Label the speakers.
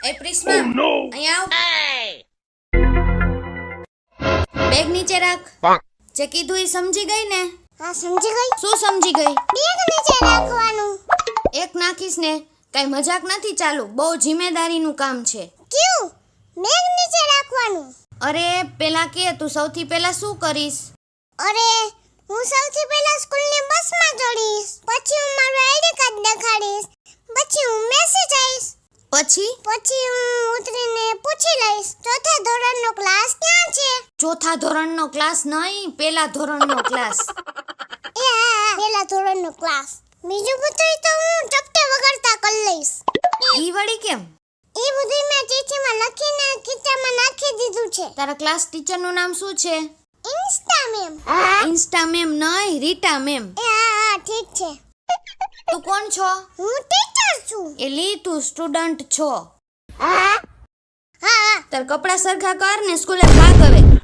Speaker 1: એ પ્રિસ્મા અહીંયા આવ. બેગ નીચે રાખ. જે કીધું એ સમજી ગઈ ને?
Speaker 2: હા સમજી ગઈ.
Speaker 1: શું સમજી ગઈ?
Speaker 2: બેગ નીચે રાખવાનું.
Speaker 1: એક નાખીશ ને કઈ મજાક નથી ચાલુ, બહુ જિમ્મેદારીનું કામ છે.
Speaker 2: ક્યું? બેગ નીચે રાખવાનું.
Speaker 1: અરે પેલા કે તું સૌથી પહેલા શું કરીશ?
Speaker 2: અરે હું સૌથી પહેલા સ્કૂલની બસમાં ચડીશ, પછી હું મારું આઈડી કાર્ડ દેખાડીશ, પછી હું મેસેજ આવીશ, પછી હું ઉતરીને પૂછી લઈશ ચોથા ધોરણનો ક્લાસ ક્યાં છે.
Speaker 1: ચોથા ધોરણનો ક્લાસ નહીં, પેલા ધોરણનો ક્લાસ.
Speaker 2: એ હા, પેલા ધોરણનો ક્લાસ. બીજું બધું તો હું ચપટે વગરતા કરી લઈશ.
Speaker 1: ઈ વળી કેમ?
Speaker 2: એ બધું મેં ચીઠીમાં લખીને ખીચામાં નાખી દીધું છે.
Speaker 1: તારા ક્લાસ ટીચરનું નામ શું છે?
Speaker 2: Insta ma'am.
Speaker 1: ઇન્સ્ટા મેમ નહીં, રીટા મેમ.
Speaker 2: એ હા ઠીક છે.
Speaker 1: તું કોણ છો?
Speaker 2: હું ટીચર છું.
Speaker 1: એલી તું સ્ટુડન્ટ છો.
Speaker 2: હા
Speaker 1: તાર કપડા સરખા કર ને સ્કૂલે ભાગ હવે.